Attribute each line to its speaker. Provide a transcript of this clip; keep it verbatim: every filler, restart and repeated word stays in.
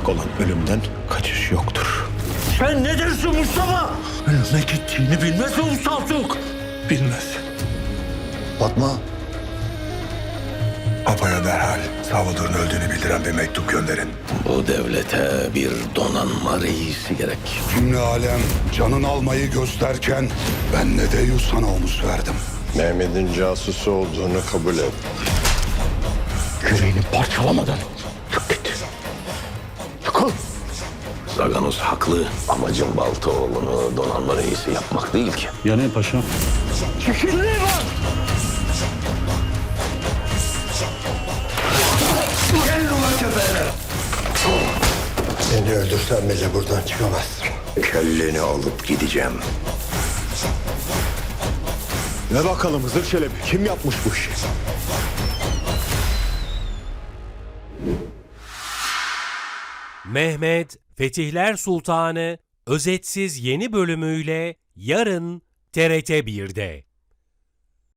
Speaker 1: mutlak olan ölümden kaçış yoktur.
Speaker 2: Sen ne dersin Mustafa? Ölüme gittiğini bilmez mi bu Saltuk?
Speaker 1: Bilmez.
Speaker 3: Fatma.
Speaker 4: Papa'ya derhal Salvador'un öldüğünü bildiren bir mektup gönderin.
Speaker 2: Bu devlete bir donanma reisi gerek.
Speaker 4: Cümle alem canın almayı gösterken ben ne de sana omuz verdim.
Speaker 5: Mehmet'in casusu olduğunu kabul et.
Speaker 2: Yüreğini parçalamadan çık git. Çıkıl. Zaganos haklı. Amacım Baltaoğlu'nu donanma reisi yapmak değil ki.
Speaker 1: Ya ne paşam?
Speaker 2: Çekilliği var.
Speaker 3: Seni öldürsem bile buradan çıkamazsın.
Speaker 4: Kelleni alıp gideceğim.
Speaker 5: Ne bakalım Hızır Çelebi, kim yapmış bu işi?
Speaker 6: Mehmet Fetihler Sultanı özetsiz yeni bölümüyle yarın T R T bir'de.